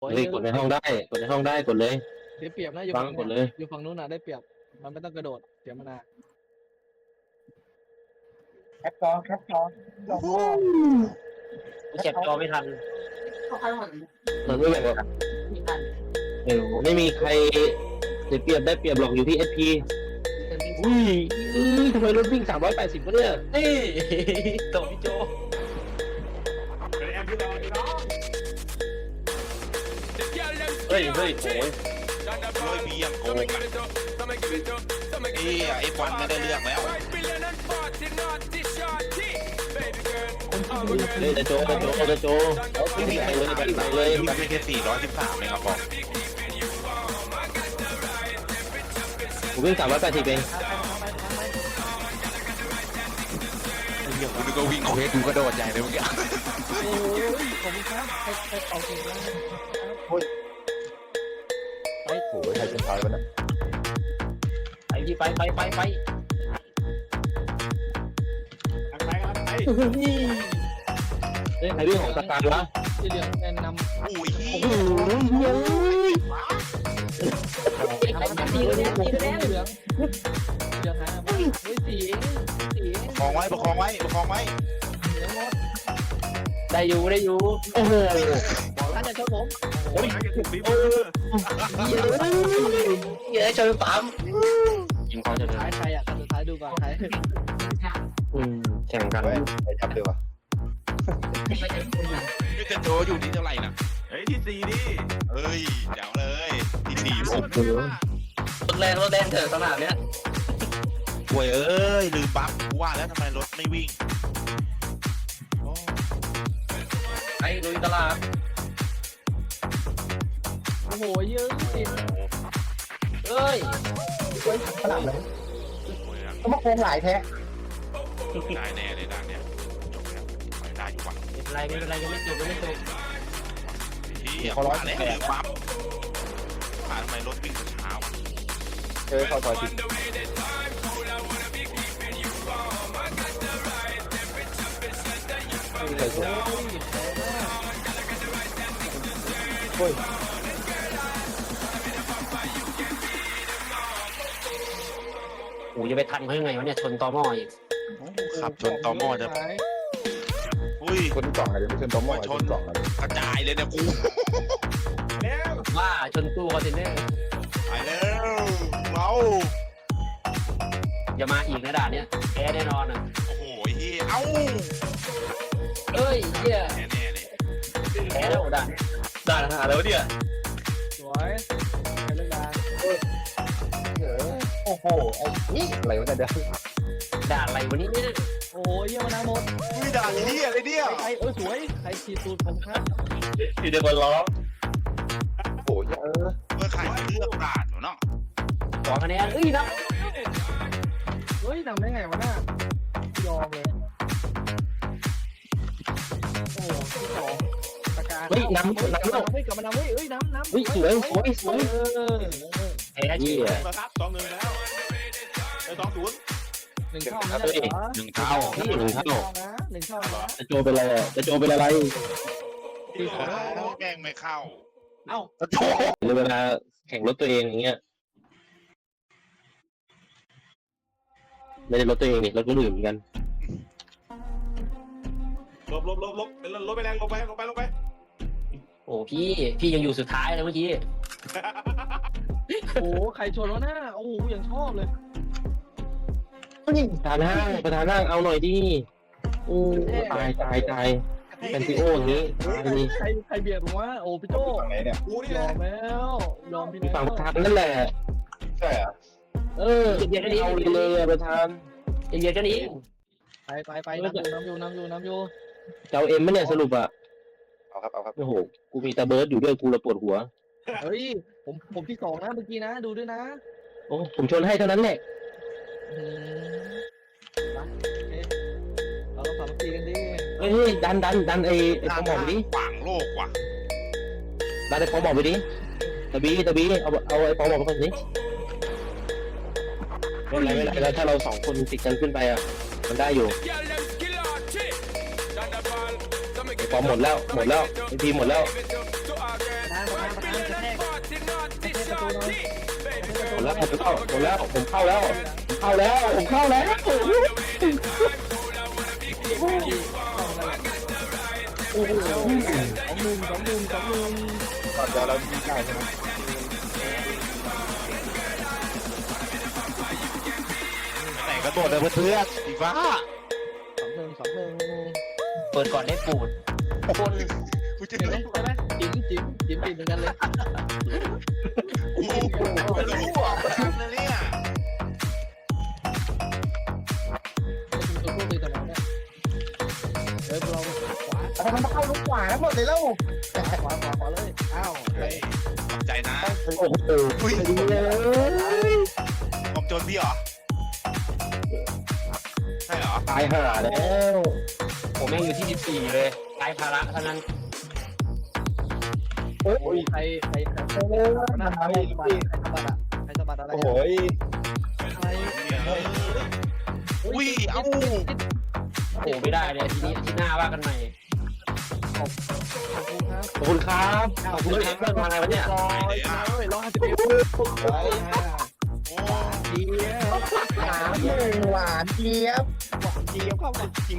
เฮ้ยกดในห้องได้กดในห้องได้กดเลยเสียเปรียบนะอยู่ฟัฝั่งงกดเลยอยู่ฝั่งนู้นน่ะได้เปรียบมันไม่ต้องกระโดดเสียมานานแคปจอกูเก็บจอไม่ทันมันไม่แบบไม่มีใครเสียเปรียบได้เปรียบหรอกอยู่ที่ SP อุ้ยทำไมรถวิ่ง380วะเนี่ยนี่ตบพี่โจเฮ้ยโอ้ยโรยเบียงโกงไอ้บอลไม่ได้เรื่องแล้วเฮ้ยจะโจวิ่งไปเลยไปเลยพี่ไม่แค่413เองครับบอกผมวิ่ง380เองกูนึกว่าวิ่งเควสกูกระโดดใหญ่เลยเมื่อกี้โอ้ยขอบคุณครับใครเอาเก่งมากโอ้ยใครเป็นใครวะเนี่ยไปที่ไปเฮ้ยใครวิ่งของสตาร์วะที่เหลืองแนะนำอุ้ยเฮียตีเหลืองเหลืองหาเฮ้ยสีประคองไว้เหลืองหมดได้อยู่โอ้โหบอกท่านจะชนผมเยอะชนปั๊มยิงเขาจะเลยท้ายใครอ่ะสุดท้ายดูก่อนใครแข่งกันเฮ้ยไปจับเลยวะไม่จะโจอยู่ที่เท่าไหร่นะเฮ้ยที่สี่ดิเฮ้ยเดี๋ยวเลยที่4ผมรถแรงเถอะสนามเนี้ยป่วยเอ้ยลืมปั๊บกูว่าแล้วทำไมรถไม่วิ่งไอ้ลุยตลาดโอ้โหเยอะติดเอ้ยขนาดไหนป่วยแล้วก็มาโกงหลายแท้ได้แน่เลยด่านเนี้ยจบแล้วไปได้อยู่ว่ะไม่เป็นไรยังไม่จบเฮียว่าแล้วลืมปั๊บทำไมรถวิ่งช้าวะเข้าซอยผิดไม่เคยสวยโอ้ยโอ้ยจะไปทันเขายังไงวะเนี่ยชนตอหม้ออีกขับชนตอหม้อจะอุ้ยคนกล่องอะไรไม่ใช่ตัวหม้อชนกล่องอะไรกระจายเลยเนี่ยกูแล้วว่าชนตู้คอนเทนเนอร์ไปแล้วเราอย่ามาอีกนะด่านเนี้ยแพ้แน่นอนอ่ะโอ้โหเฮียเอ้าเอ้ยเหี้ยแน่ๆเลยแพ้แล้วด่านหาแล้วเนี่ยสวยใครเลือกดาโอ้โหไอ้นี่อะไรวะเนี่ยเดี๋ยวด่านอะไรวันนี้เนี่ยโอ้ยเยี่ยมนะหมดอุ้ยด่าเฮียเลยเนี่ยใครสวยใครขีดตูดผมครับอยู่ในบอลล้อโอ้ยเมื่อใครเลือกด่านเนาะ 2 คะแนนเอ้ยนะเฮ้ยทำได้ไงวะน่ะยอมเลยโอ้ที่สองประกาศเฮ้ยน้ำเฮ้ยกลับมานำเฮ้ยน้ำเฮ้ยสวยแพ้เหี้ยมาครับ2-1แล้วไป2-0 หนึ่งเท่าไม่ใช่เหรอ 1 เท่านี่หนึ่งเท่านะหนึ่งเท่านะจะโจเป็นอะไรอ่ะจะโจเป็นอะไรที่สองแม่งไม่เข้าเอ้าในเวลาแข่งรถตัวเองอย่างเงี้ยไม่ได้รถตัวเองนี่รถคนอื่นเหมือนกันลบเป็นรถไปแรงลงไปโอ้พี่ยังอยู่สุดท้ายเลยเมื่อกี้โอ้ใครชนวะน่ะโอ้ยังชอบเลยประธานห้างเอาหน่อยดิโอ้ตายเป็นซีโออย่างนี้นี่ใครเบียดผมวะโอ้พี่โจฝั่งไหนเนี่ยกูนี่ยแหอละมแล้วยอมพี่มีแล้วฝั่งประธานนั่นแหละใช่เหรอเออเอาเลยประธานเบียดกันอีกไปน้ำอยู่จะเอาเอ็มไหมเนี่ยสรุปอ่ะเอาครับโอ้โหกูมีตาเบิร์ดอยู่ด้วยกูระปวดหัวเฮ้ยผมที่สองนะเมื่อกี้นะดูด้วยนะโอ้ผมชนให้เท่านั้นแหละเราต้องสามัคคีกันดิเฮ้ยดันไอ้ปอมดิขวางโลกว่ะดันไอ้ปอมไปดิตะบีเอาไอ้ปอมไปก่อนสิไม่เป็นไรแล้วถ้าเรา2 คนติดกันขึ้นไปอ่ะมันได้อยู่ไอ้ปอมหมดแล้วไอ้พีหมดแล้วนะผมเข้าแล้วผมเข้าแล้วโอ้โห2-1 ก่อนเดี๋ยวเรายิงได้ใช่ไหมไหนก็โดดเลยเพื่อนอีฟ้าเปิดก่อนได้ปูดกูจะเห็นไหมใช่ไหมจิ้มเหมือนกันเลยไม่รู้อ่ะนะเนี่ยตัวพวกตีตลอดเนี่ยเฮ้ยเราขวาทำไมมันเข้าลูกขวาแล้วหมดเลยแล้วขวาเลยอ้าวขอบใจนะโอ้โหอุ้ยดีเลยผมโจนพี่เหรอใช่เหรอตายห่าแล้วผมแม่งอยู่ที่14เลยกลายภาระเท่านั้นโอ้ยใครหน้าใครสะบัดอะไรโอ้โหใครอุ้ยเอ้าโอ้ไม่ได้เลยทีนี้ที่หน้าว่ากันใหม่ขอบคุณครับขอบคุณครับขอบคุณครับเพื่อนมาไงวะเนี่ย 150 หวานเจี๊ยบเข้ามาจริง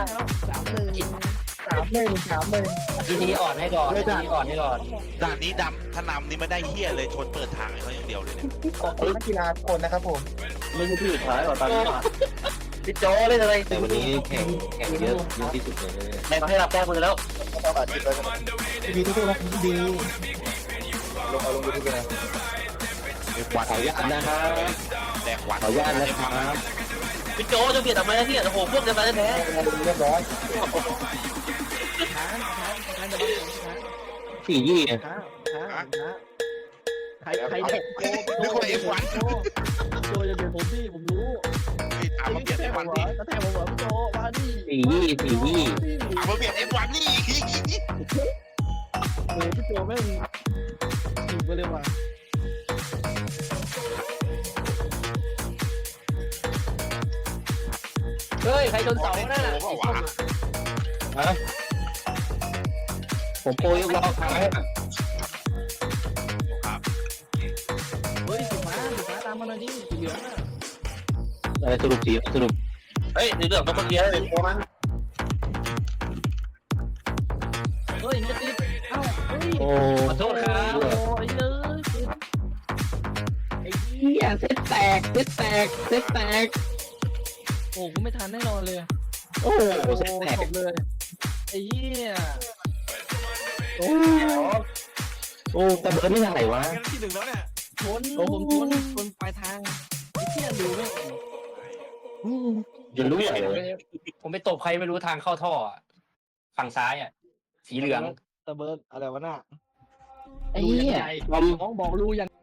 3-1 ทีนี้อ่อนให้ก่อนทีนี้อ่อนให้ก่อนด่านนี้ดำถ้านำนี่ไม่ได้เฮียเลยชนเปิดทางให้เขาอย่างเดียวเลยเนี่ยนักกีฬาคนนะครับผมไม่ใช่ที่สุดท้ายหรอตอนนี้พี่โจเล่นอะไรแต่วันนี้แข่งเยอะที่สุดเลยแม่ให้รับแต้มมือแล้วเราอาจจะไปดีทุกๆนะดีลงเอาลงดูทุกเลยนะขออนุญาตนะครับแดกหวานขออนุญาตนะครับพี่โจจะเบียดทำไมนะพี่โอ้โหพวกจะมาแท้เรียบร้อยสี่ยี่ใครเด็กนึกว่าเอฟวันโจจะเบียดผมพี่ผมรู้ถามมาเบียดเอฟวันนี่กระแทกผมเหรอพี่โจมาดิสี่ยี่ถามมาเบียดเอฟวันนี่โอ้พี่โจแม่งถึงไปเลยว่ะเฮ้ยใครชนเสาน่ะโอ้โหวะฮะผมโปรยกล้อค้างครับเฮ้ยสีฟ้าตามมาหน่อยดิสีเหลืองอ่ะอะไรสรุปเฮ้ยในเรื่องต้องมาเคลียร์เลยโปรมันเฮ้ยจะติดเอ้าเฮ้ยโอ้ขอโทษครับโอ้ยเลยไอ้เหี้ยเซตแตกโอ้กูไม่ทันแน่นอนเลยโอ้เซตแตกจบเลยไอ้เหี้ยโอ้แต่เบิร์ดไม่ทางไหนวะงั้นที่1แล้วเนี่ยชนผมชนปลายทางไอ้เหี้ยดูไม่จะรู้ใหญ่เลยผมไปตบใครไม่รู้ทางเข้าท่อฝั่งซ้ายสีเหลืองตะเบิร์ดอะไรวะน่ะไอ้เหี้ยน้องบอกรู้ยัง